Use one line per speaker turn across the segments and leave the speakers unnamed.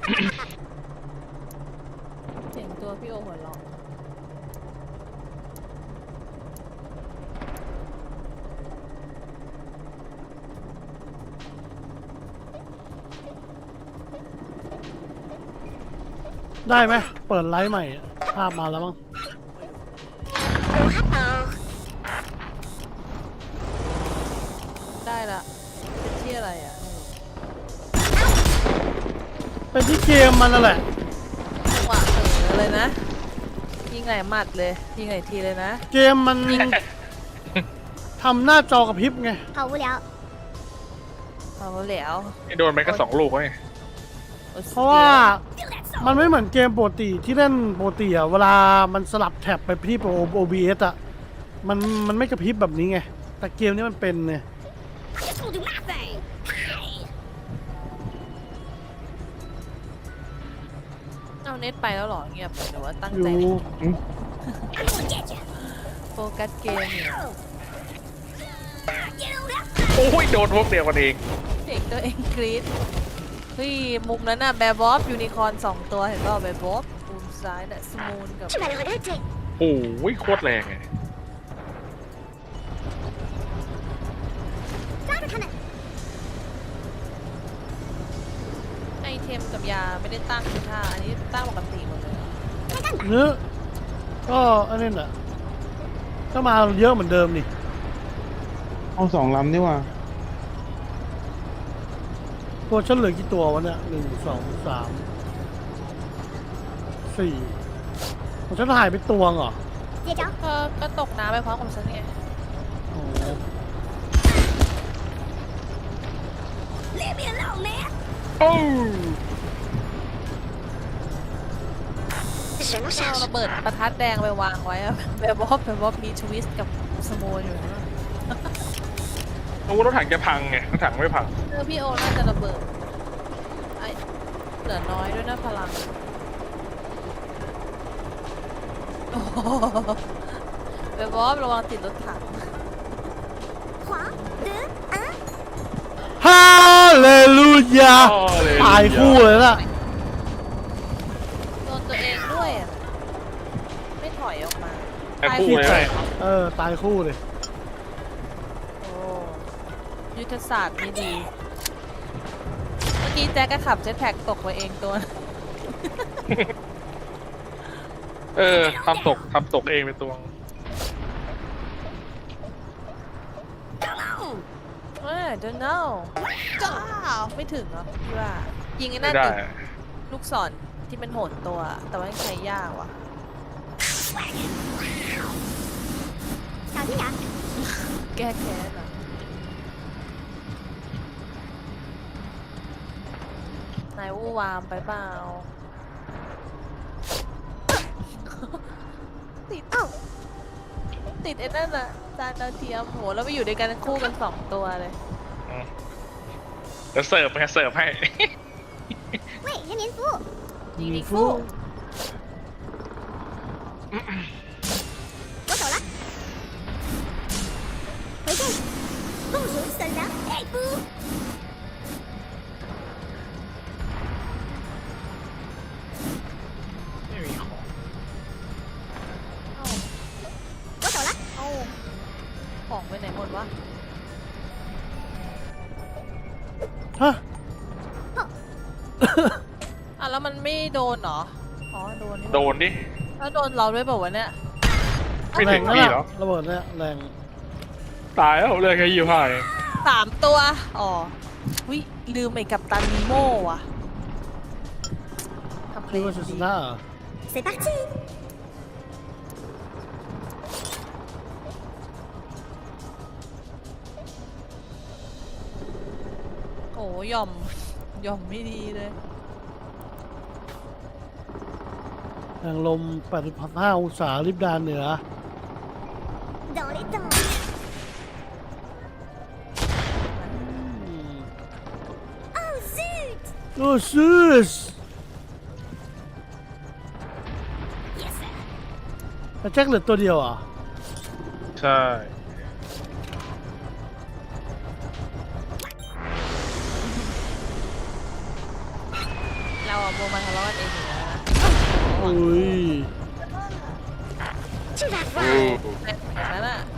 เสียงตัวพี่โอหัวเราะ
ได้ไหมเปิดไลฟ์ใหม่ภาพมาแล้วมั้ง
ได้ละเป็นที่อะไรอ่ะ
เป็นที่เกมมันนั่นแหละ
จังหวะเลยนะยิงไหนหมัดเลยยิงไหนทีเลยนะ
เกมมัน ทำหน้าจอกระพริบไง
好无聊。
เอาแล้ว
โดนไปก็2 ลูกไง
เพราะว่ามันไม่เหมือนเกมปกติที่เล่นปกติอะเวลามันสลับแท็บไปที่ OBS อะมันไม่กระพริบแบบนี้ไงแต่เกมนี้มันเป็นเนี่ย
This will do nothing.
เอาเน็ตไปแล้วหรอเงียบหรือว่าตั้ง
อยู่
ใจเล่น
I'm gonna get you.
โฟกัสเกมเนี่ย
โอ้ยโดนพวกเดียวกันเอง
เสียงตัวเองกรี๊ดเฮ้ยมุมนั้นน่ะแบร์บอฟยูนิคอร์น2 ตัวเห็นป่าวแบร์บอฟมุมซ้ายน่ะสมูนกับ
去买了个热水。
โอ้ยโคตรแรงไง
抓住他们。
ไอเทมกับยาไม่ได้ตั้งคือท่าอันนี้ตั้งปกติหมดเลย
在干嘛？
เนื้อก็อันนี้แหละก็มาเยอะเหมือนเดิมนี่
เอา2 ลำดีกว่า
ตัวฉันเหลือกี่ตัววะเนี่ย1 2 3 4ของฉันหายไปตัวเหรอ
接招。
ก็ตกน้ำไปพร้อมกับฉันไง
โอ้โห
猎命老梅。
โอ้
什么
เอาระเบิดประทัดแดงไปวางไว้อะแบร์บอฟมีทวิสต์กับสมูนอยู่นะ
โหรถถังจะพังไงรถถังไม่พัง
พี่โอน่าจะระเบิดไอเหลือน้อยด้วยนะพลังโอ้โหแบร์บอฟระวังติดรถถัง
黄的啊，
ฮาเลลูยาตายคู่เลยล่ะ
โดนตัวเองด้วยอะไม่ถอยออกมา
ไอ้คู่เลย
ตายคู่เลย
โอ้ยุทธศาสตร์ไม่ดี เมื่อกี้แจ็คก็ขับเจ็ตแพ็กตกไปเองตัว
ทำตกเองเป็นตัว
don't know ก้าวไม่ถึงเหรอพี่ว่า ยิงไอ้
ไม่
นั่น
ได้
ดิลูกศรที่เป็นโหนตัว แต่ว่ายังใช้ยากว่ะ
小心点儿。
แก้แค้นเหรอไหนวู่วามไปเปล่า ติดไอ้นั่นอะจานดาวเทียมโหแล้วไปอยู่ด้วยกันคู่กัน2 ตัวเลย
เดี๋ยวเสิร์ฟให้
喂，人民服务。
ยิงดีคู่
我走了。回见。部署损伤佩服。
ไม่มีของ
เอ้า
我走了。
เอ้าของไปไหนหมดวะ
ฮะ
อ่ะแล้วมันไม่โดนเหรอ อ๋อโดนนี่หว่า
โดนดิ
แล้วโดนเราด้วยเปล่าวะเนี่ย
ไม่
แร
ถึ
ง
ง
นั่น
พี่
แห
หร
ละ
อ
ระเบิดเนี่ยแรง
ตายแล้วเลยแค่25เอง
3 ตัว อ๋อวิลืมไอ้กัปตันนีโม่ว่ะทำเพล
คิด
ง
ว่าจะช
ดี
นะเหรอ
C'est parti。
โอ้หย่อมไม่ดีเลย
แรงลม 8.5 องศาลิบดานเหนือ
dans les temps。 Oh zut。
โอ้ซูส
Yes。
แต่แจ็คเหลือตัวเดียวอ่ะ
ใช่
เราโบมาทะเลาะกันเองอยู่แล้วนะ
อุ้ย
Tu vas
โอ้
voir.
อย่างนั้นอ่ะ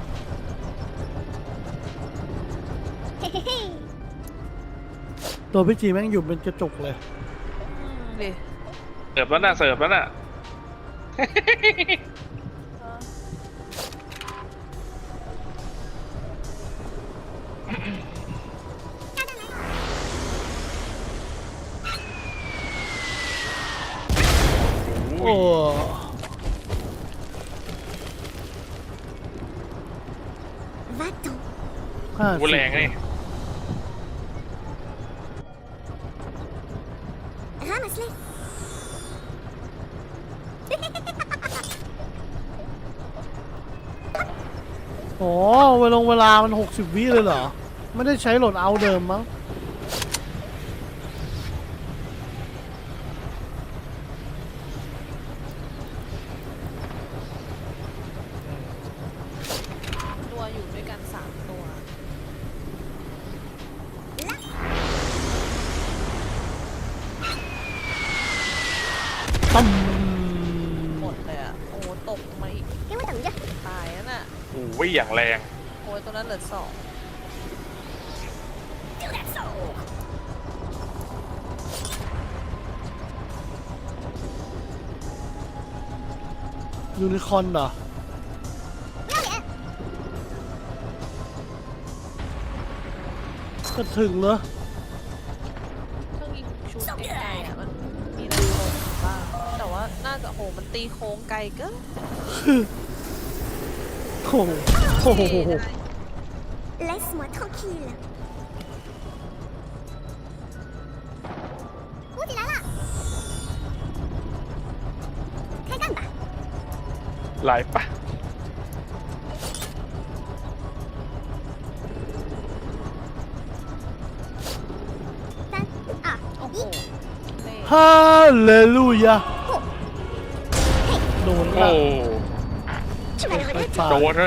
Hé hé hé.
ตัวพี่จีแม่งอยู่เป็นกระจกเลย
ดิ
เสิร์ฟแล้วน่ะเสิร์ฟแล้วน่ะ
โอ้
Va-t'en.
ห้า
โหแรงไง
Ramasse-les.
อ๋อเวลามัน60 วิเลยเหรอ ไม่ได้ใช้โหลดเอาเดิมมั้ง
ตัวอยู่ด้วยกัน3ตัว
ตั้ม
หมดเลยอ่ะ โอ้ตกมาอีก
Fais-moi ta mouille.
ตายแล้วน่ะ
โอ้ยอย่างแรง
โอ้ยตัวนั้นเหลือ2
ยูนิคอร์นเหรอ ก็ถึงเหรอ
เครื่องยิงชุดใกล้ๆอ่ะมันมีอะไรลงบ้างแต่ว่าน่าจะโหมันตีโค้งไกลเกิน
โอ้โหโอ้โห
Laisse-moi tranquille. Où t'es là? Kagamba.
หลายปะ
Tan. Ah.
โอ้โหเท่
ฮาเลลูยาโดน
โอ้
ละ
Tu vas le
ไป
regretter.
ตาย
โดนเลย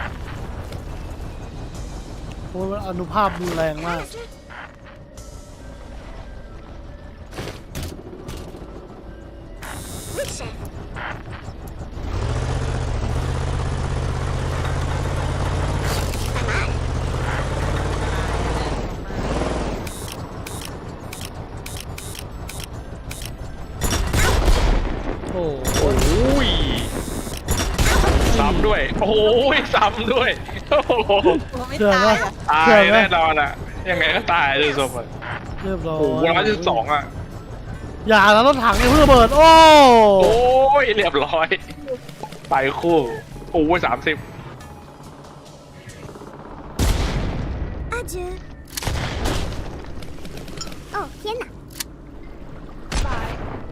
โอ้ยมันอนุภาพมันแรงมาก
Ramasse-le. Oui, chef.
โอ้โห
โอ้ยซ้ำด้วย โอ้ยซ้ำด้วย โอ้โห
ตัวไม่
เชื่อ
ตา
ไหม
ยอ่ะ
ตา
เชื่อย ไหม
แน่นอนอ่ะ ยังไงก็ตายเลยสมบัติ
เรียบร้อย
โอ้โห112อ่ะ
อย่าแล้วรถถังเนี่ยเพิ่งระเบิด โอ้
โอ้ยเรียบร้อย ไปคู่ โอ้ย30
Adieu. Oh, Fiona.
ตาย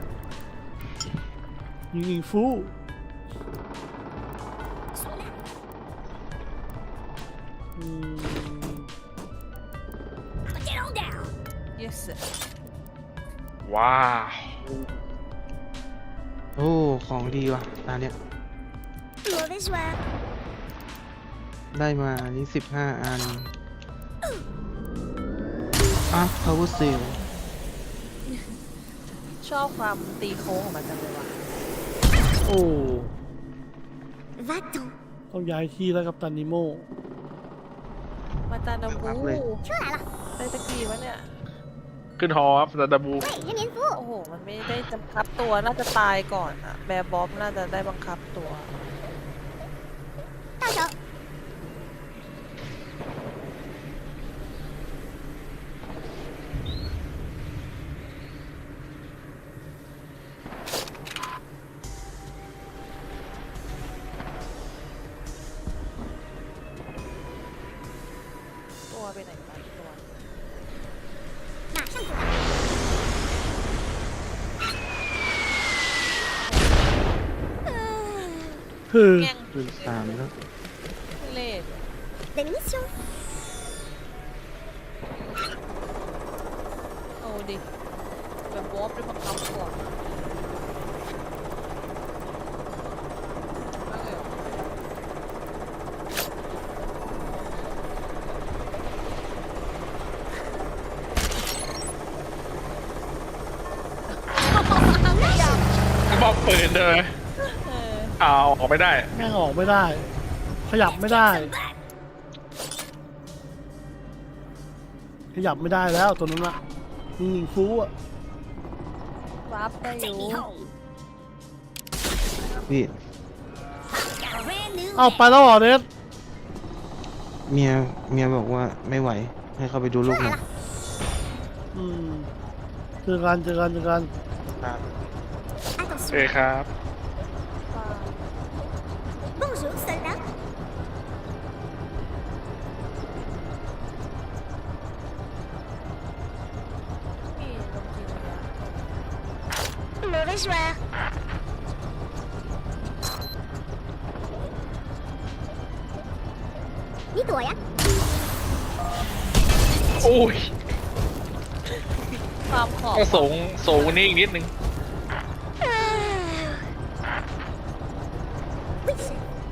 ยิงฟูอืม
Get on down.
yes
ว้าว
โอ้ ของดีว่ะตาเนี้ย
Mauvais joueur.
ได้มาอันนี้15 อันอ่ะ power seal
ชอบความตีโค้งของมันจังเลยว่ะ
โอ้
Va-t'en.
ต้องย้ายที่แล้วกับตันนิโม
มาตาดาบู
Tu vas là.
ได้ตะกี้วะเนี่ย
ขึ้นฮอครับซาดาบู
Oui, je viens de vous.
โอ้โห มันไม่ได้บังคับตัวน่าจะตายก่อนอะแบร์บ๊อบน่าจะได้บังคับตัว
Ciao, ciao.
ตัวไปไหนไปตัว
马上过来。
คือ
แง่ง
ขึ้น3แล้ว
เล่ห์
Des munitions.
เอาดิแบบบ๊อบได้บังคับตัวเอาเลย
ป้อมปืนเลย
เออ
เอาออกไม่ได้
แม่งออกไม่ได้ ขยับไม่ได้ ขยับไม่ได้แล้วตัวนั้นอะนิ่งๆฟูอะ
รับได้อยู่
พี่
Brand new
เอาไปแล้วเหรอเนส
เมียบอกว่าไม่ไหว ให้เขาไปดูลูกหน่อย
อืมเจอกัน
เอ้ยครับ
Bonjour, soldat.
นี่ลงทีเลยอะ
Mauvais joueur. 你躲呀！
โอ้ย
ความขอบ
ก็สูงนี่อีกนิดนึง
危险！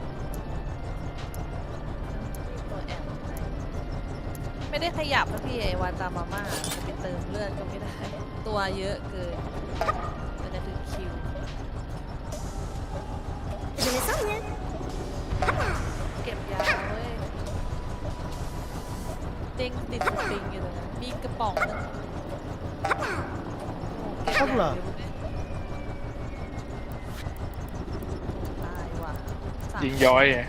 ตัวแอมไม่ได้ขยับนะพี่ไอวาตามาม่าจะไปเติมเลือดก็ไม่ได้ ตัวเยอะเกินมันจะถึงคิว
Je me sens mieux.
เก็บยาเว้ยเด้งติดสปริงอยู่ตรงนั้นมีกระป๋องนึงโอ้เก็บยาเร็วเลยตายว่ะสาม
ยิงย้อยไง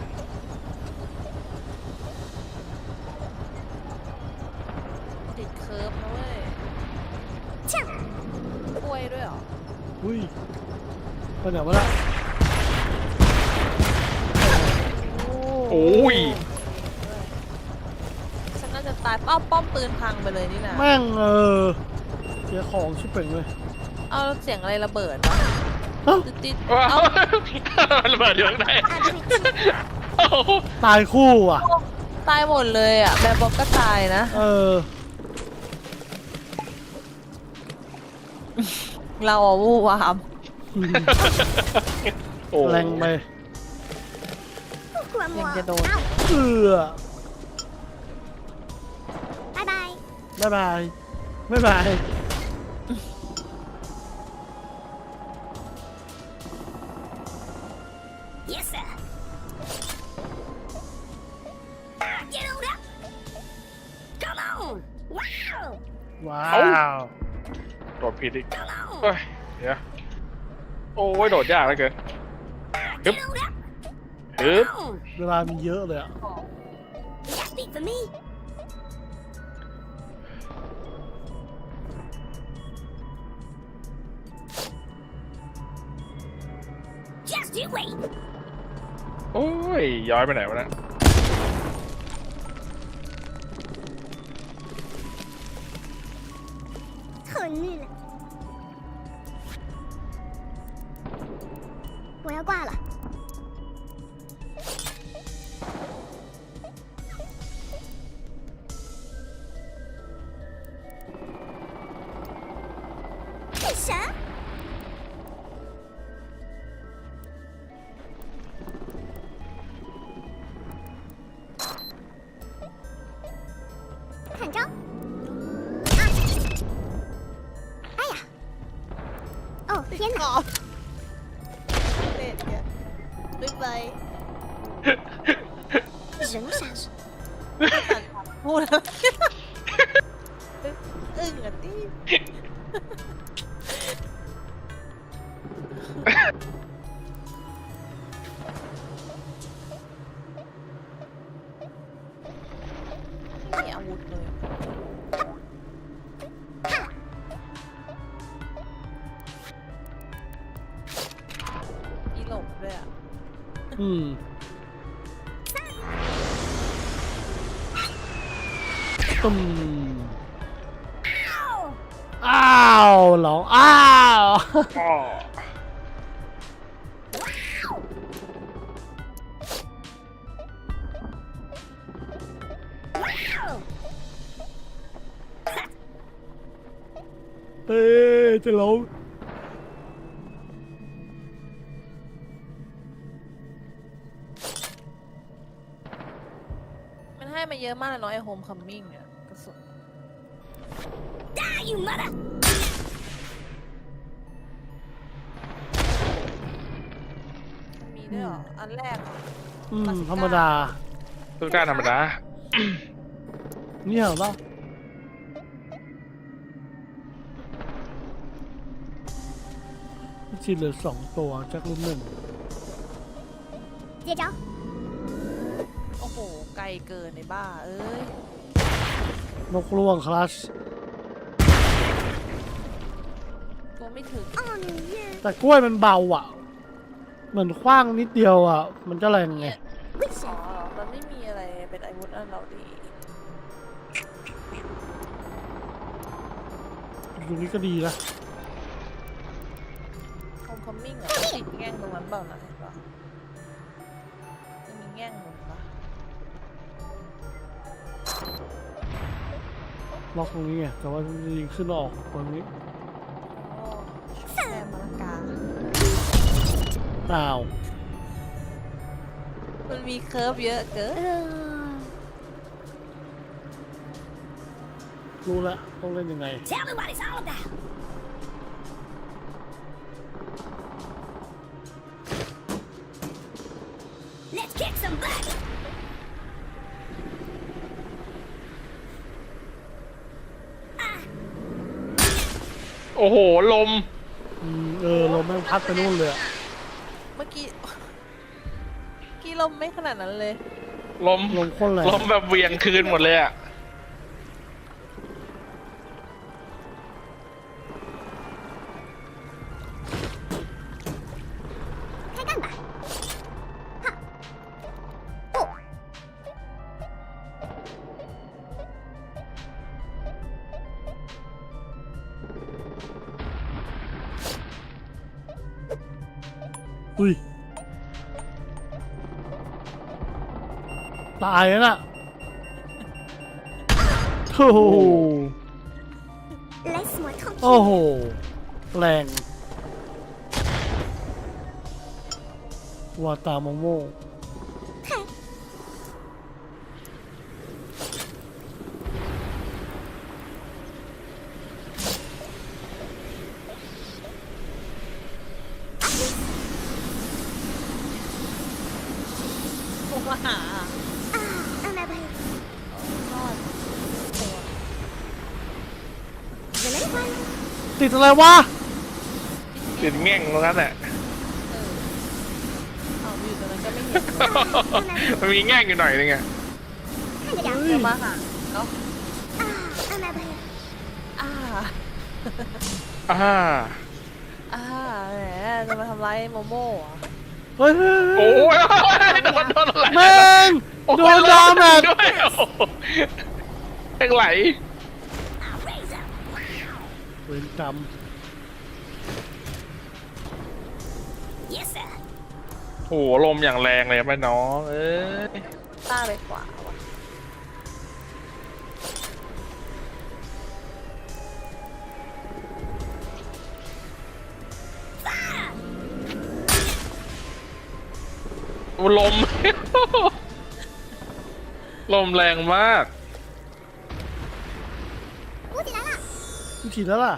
ติดเคิร์ฟนะเว้ย
Tiens,
กล้วยด้วยเหรอ
อุ้ยไปไหนวะล่ะ
โอ้ย
ฉันน่าจะตายป้อมปืนพังไปเลยนี่นะ
แม่งเสียของชิบเป่งเลย
เอาเสียงอะไรระเบิดวะ
เอ้า
ติด
ว้า
เอา
วระเบิดอยู่ข้างใน
abruti.
โอ้โห
ตายคู่อ่ะ
ตายหมดเลยอ่ะแบบบอกก็ตายนะ เราอ่ะวู่วาม
โอ้
แรงไป
Pourquoi moi?
Bien, bien,
Au.
เอือ
Bye bye.
บ๊ายบายบ๊ายบาย
Yes, sir. Get on up. Come on. Wow.
ว้าว
โดดผิดอีก
Come on.
เฮ้ยเดี๋ยวโอ้ยโดดยากเหลือเกิน
Get on up.
ฮึบ
Come on.
เวลามีเยอะเลยอ่ะ
That beat for me. Just you wait.
โอ้ยย้อยไปไหนวะเนะ
很腻了。我要挂了。干啥？看招！啊！哎呀！哦天哪！
เด็ดเนี่ยไม่ไป
人啥事？
พูดแล้วอึ้งอ่ะที่ไม่มีอาวุธเลยอีหลงด้วยอ่ะ
อืมตุ้มอ้าวเหรออ้าว
อ้อ
เต้จะล้ม
มันให้มาเยอะมากเลยเนาะไอโฮมคัมมิ่งอ่ะกระสุน
Die, you mother!
ด้วยเหรอ อันแรกเหรอ
ธรรมดา
ทุกด้านธรรมดา
เนี่ยเหรอปะจีเหลือ2 ตัวจากรุ่น1
接招！
โอ้โห ไกลเกินในบ้า เอ้ย
นกล่วงคลัช
ตัวไม่ถึง
哦，你耶！
แต่กล้วยมันเบาอ่ะ เหมือนขว้างนิดเดียวอ่ะ มันจะแรงไง
为
อ๋อ
什么？
มันไม่มีอะไรเป็นอาวุธอันเราดี
ตรงนี้ก็ดีนะ
โฮมคัมมิ่งอ่ะติดแง่งตรงนั้นเปล่านะเห็นปะจะมีแง่งหนุนปะ
ล็อกตรงนี้ไง แต่ว่าจะยิงขึ้นออกตรงนี้
โอ้แม่มะละกา
อ้าว
มันมีเคิร์ฟเยอะเกิน
รู้แล้วต้องเล่นยังไง
Tell me what it's all about. Let's kick some butt.
โอ้โห ลม
ลมแม่งพัดไปนู่นเลยอะ
เมื่อกี้ ลมไม่ขนาดนั้นเลย
ลม
ลมโคตรแรง
ลมแบบเหวียงคืนหมดเลยอะ
开干吧！哈！不，
อุ้ย ตายแล้วน่ะโอ้โห
laisse-moi
โอ้
tranquille.
โห แรง วาตาโมโม
嘿，
ผมมาหา
啊，un abri.
รอดตัว
Je le vois.
ติดอะไรวะ
ติดแง่งตรงนั้นแหละ
เอาอยู่ตรงนั้นก็ไม่เห็น
มันมีแง่งอยู่หน่อยนึงอะ
看着点儿。
เดี๋ยวมาหาเนาะ
啊，un abri.
อ่า
อ่า
อ่าแหมจะมาทำร้ายโมโม่เหรอ
เฮ้ย
โอ้ยโดนอะไร
แม่งโดนดาแมจ
ด้วยโอ้โหแม่งไหล
เวรกรรม
Yes sir.
โอ้โหลมอย่างแรงเลยแม่น้อง เอ้ย
ต้าไปขวาว่ะ
ลม ลมแรงมาก
补起来了。
มึงฉีดแล้วล่ะ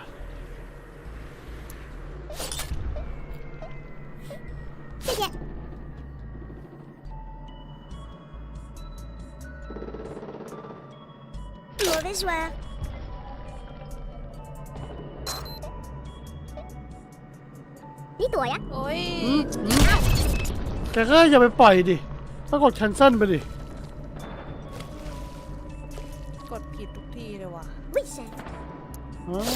谢谢。Mauvais joueur. 你躲呀！
โอ้ย
แต่ก็อย่าไปปล่อยดิต้องกด cancel ไปดิ
กดผิดทุกทีเลยว่ะ
为什么？
อ้าว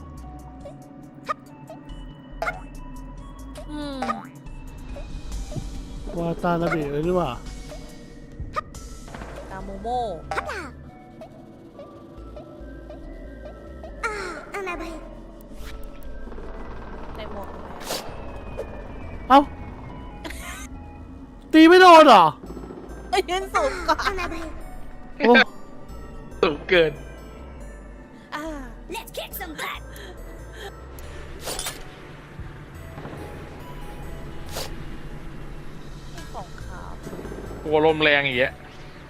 อืม
วาตานาเบะเลยนี่หว่า
ตามโมโม่
好吧。啊，un abri.
ในหมวกทำไม
เอ้า ตีไม่โดนเหรอ
เอ้ยยืนสูงก่อน
Un abri.
โอ้
สูงเกิน
อ่า
Let's kick some butt.
ของขาว
โอ้ลมแรงอย่างเงี้ย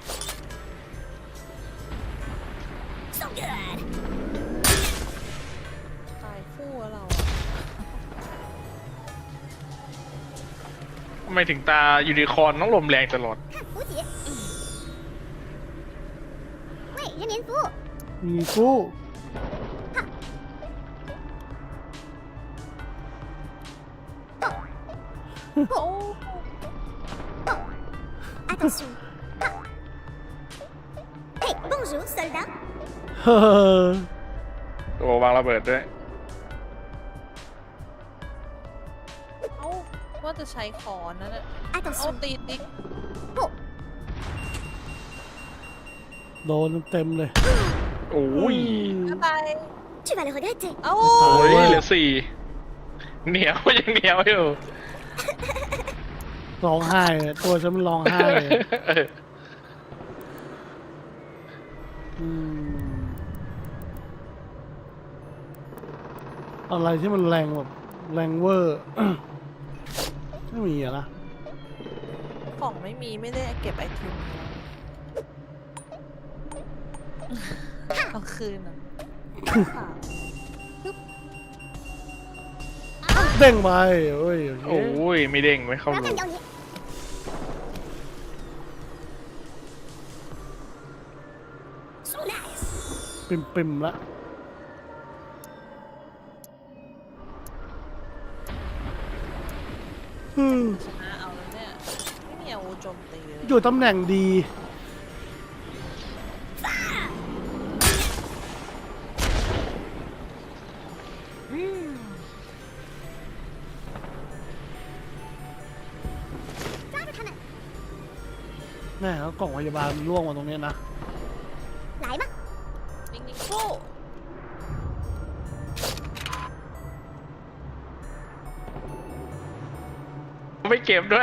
So good.
ตายคู่แล้วเรา
ทำไมไมถึงตายูนิคอร์นต้องลมแรงตลอด
看补给。为人民服务。
มีกู้
โอ้
Attention. Hey, bonjour, soldat.
เฮ้อ
ตัววางระเบิดด้วย
เอ้าว่าจะใช้คอนนั่นแหละเอา
Attention.
ตีติ๊ก
โดนเต็มเลย
โอ้ย
อะไร
Tu vas le regretter.
เอ้า
โอ้ยเหลือสี่เหนียวยังเหนียวอยู่
ร้องไห้เลยตัวฉันมันร้องไห้เลย
เออ
อืมอะไรที่มันแรงแบบแรงเวอร์ ไม่มีอะนะ
ของไม่มีไม่ได้เก็บไอเทมเอาคืนอ่ะ
เด้งไปเอ้ยโอเค
โอ้ยไม่เด้งไม่เข้า
不要
รู
干掉你。So nice.
ปิ่มละอืม
ชนะเอาแล้วเนี่ย ไม่มีอาวุธโจมตีเลย
อยู่ตำแหน่งดี
抓住他们，
แน่แล้วกล่องพยาบาลมันร่วงมาตรงเนี้ยนะ
来吧。
นิ่งๆสู้
ไม่เก็บด้วย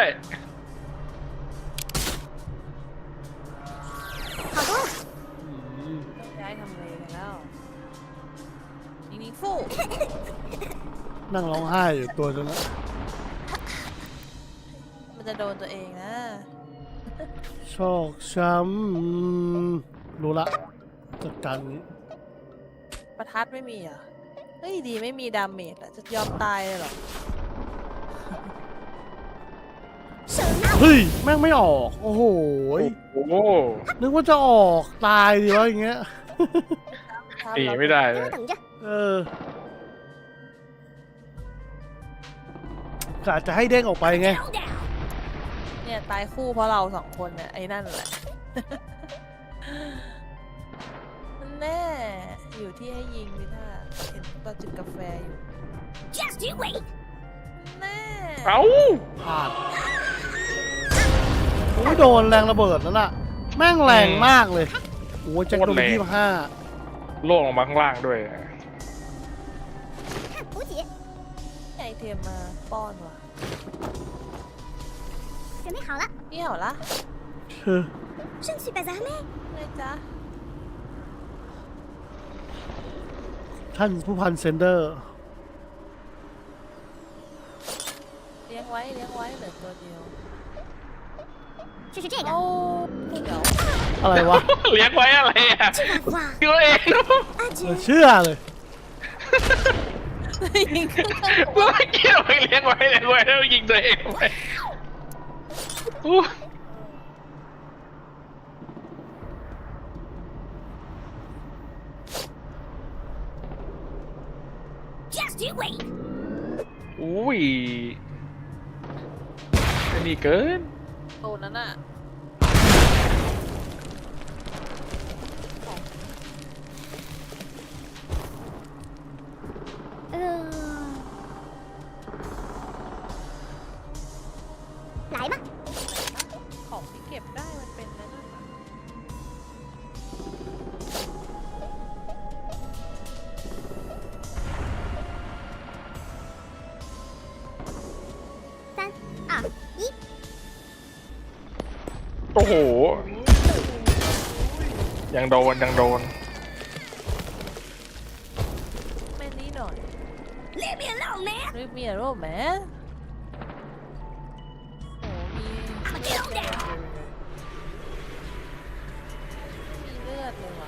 好多了。
อืม
ย้ายทำเลกันแล้วนิ่งๆสู้
นั่งร้องไห้อยู่ตัวฉันนะ
มันจะโดนตัวเองนะ
ชอกช้ำรู้ละจัดการนี้
ประทัดไม่มีอ่ะ เฮ้ยดีไม่มีดาเมจอ่ะ จะยอมตายเลยเหรอ
手拿
เฮ้ย แม่งไม่ออก โอ้โหย
โอ้โห
นึกว่าจะออกตายดีวะอย่างเงี้ย
หนีไม่ได้เล
给
ย
我等着。
เออ กะจะให้เด้งออกไปไง
Calm down.
เนี่ยตายคู่เพราะเราสองคนเนี่ยไอ้นั่นแหละ มันแน่ อยู่ที่ให้ยิงดิท่าเห็นตอนจิบกาแฟอยู่
Just you wait.
แน่
เอ้า
พลาดโอ้ยโดนแรงระเบิดนั่นน่ะ แม่งแรงมากเลย โอ้ยแจ็คโดนไป25
โล่งลงมาข้างล่างด้วย
看补给，
ไอเทมมาป้อนว่ะ
准备好了，
เอี่ยวละ
เออ
je ne suis pas armé.
ไงจ๊ะ
ท่านผู้พันเซนเดอร์
เลี้ยงไว้เลี้ยงไว้เหลือตัวเดียว
就是这
โอ้
个。
เดี๋ยว
อะไรวะ
เลี้ยงไว้อะไรอ่ะ
这把花。
ตัวเอง
เหลือ
Adieu.
เชื่อเลย
ยิงขึ้นข้างบ
เมื่
น
อกี้เราไปเลี้ยงไว้แล้วยิงตัวเองไปอู้
Just you wait.
อุ้ยไอ้นี่เกิน
โดนนั้นอ่ะ
来吧，
ของที่เก็บได้มันเป็นนั่นน่ะ
3、2、1。
โอ้โห ยังโดนยังโดน
แม่นี้หน่อย
Leave me alone, man.
รีบมีอะไรแหมโอ้มี
I'ma get on down.
มีเลือดเลยว่ะ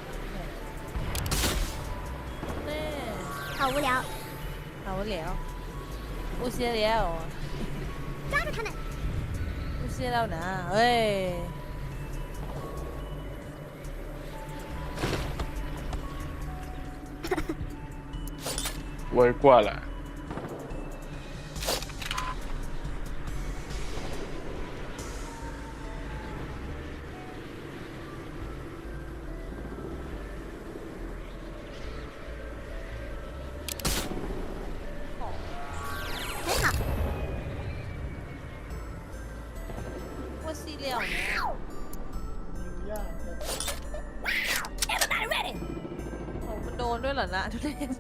แน่
好无聊，
เอาแล้วอูเสียแล้ว
抓住他们。
ไม่ใช่แล้วนะเฮ้ย
เวอร์กว่าล่ะ
很好。
ว่าซีเรียลเนี่ย
Everybody ready?
โอ้มันโดนด้วยเหรอนะทุเรศ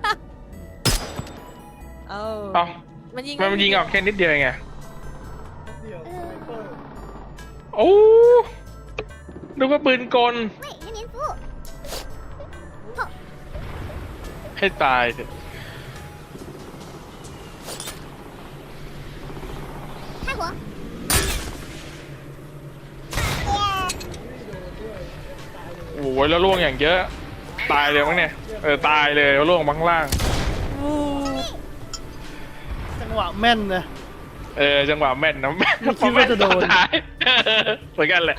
เออ
เอ้า
มันยิง
มันยิงออกแค่นิดเดียวเองไง
เดี๋ยวสไนเปอร์
โอ้ดูว่าปืนกล
喂，人民服务。
ให้ตายเถอะ
开火。
โอ้ยแล้วล่วงอย่างเยอะ ตายเลยมั้งเนี่ย ตายเลยแล้วล่วงมาข้างล่าง
จังหวะแม่นนะ
จังหวะแม่นนะแม่น
ไม่คิดว่าจะโดน
ตอนท้ายเหมือนกันแหละ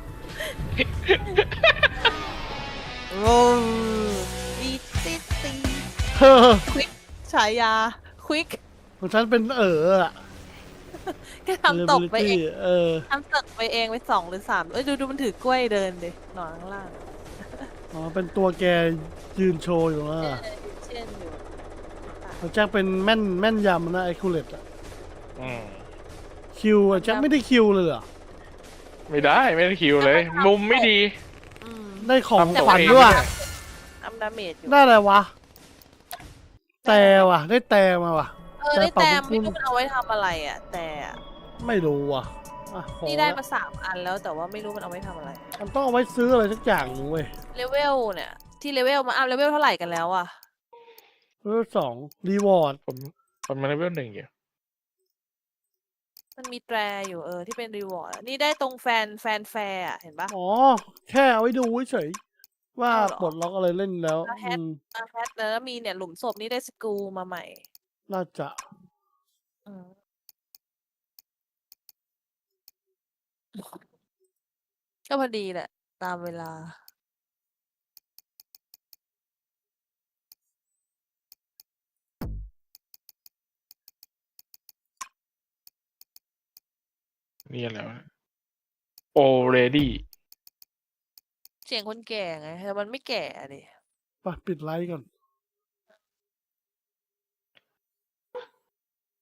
โอ้ดีติดตี
เฮ้อ
ควิกฉายาควิก
ของฉันเป็นอะ
แค่ทำตกไปเอง
Reliability
ทำตกไปเองไป2 หรือ 3เอ้ยดูมันถือกล้วยเดินดิหนอนข้างล่าง
อ๋อเป็นตัวแกยืนโชว์อยู่นะ
เช่นอยู่
ของแจ็คเป็นแม่นยำนะไอคูเลตอะ
อืม
คิวอะแจ็คไม่ได้คิวเลยเหรอ
ไม่ได้ไม่ได้คิวเลย มุมไม่ดี
อืม
ได้ของ
ทำ
ขวัญ
เอง
ด้วย
ทำดาเมจอยู่
ได้อะไรวะ แต่ว่ะ ได้แต่มาว่ะ
ได้
แต่
แต้ม
เป่า
ไม่
บุญ
รู้มันเอาไว้ทำอะไรอ่ะ แต่อะ
ไม่รู้ว่ะอ่ะพอ
นี่ได้
ละ
มา3 อันแล้วแต่ว่าไม่รู้มันเอาไว้ทำอะไร
มันต้องเอาไว้ซื้ออะไรสักอย่างหนึงเว้ย
เลเวลเนี่ยที่เลเวลมาเลเวลเท่าไหร่กันแล้วอ่ะ
2รีวอร์ด
ผมมาเลเวล1อยู่
มันมีแตรอยู่ที่เป็นรีวอร์ดนี่ได้ตรงแฟนแฟร์อะเห็นปะ
อ๋อ แค่เอาไว้ดูเฉยๆว่า
เอาเหรอ
ปลดล็อกอะไรเล่นแล้ว
แล้วแฮช แฮทแล้วมีเนี่ยหลุมศพนี่ได้สกรูมาใหม่
น่าจะ
อืมก็พอดีแหละ ตามเวลา
นี่อะไรวะ already
เสียงคนแก่ไงแต่มันไม่แก่ดิ
ไปปิดไลฟ์ก่อน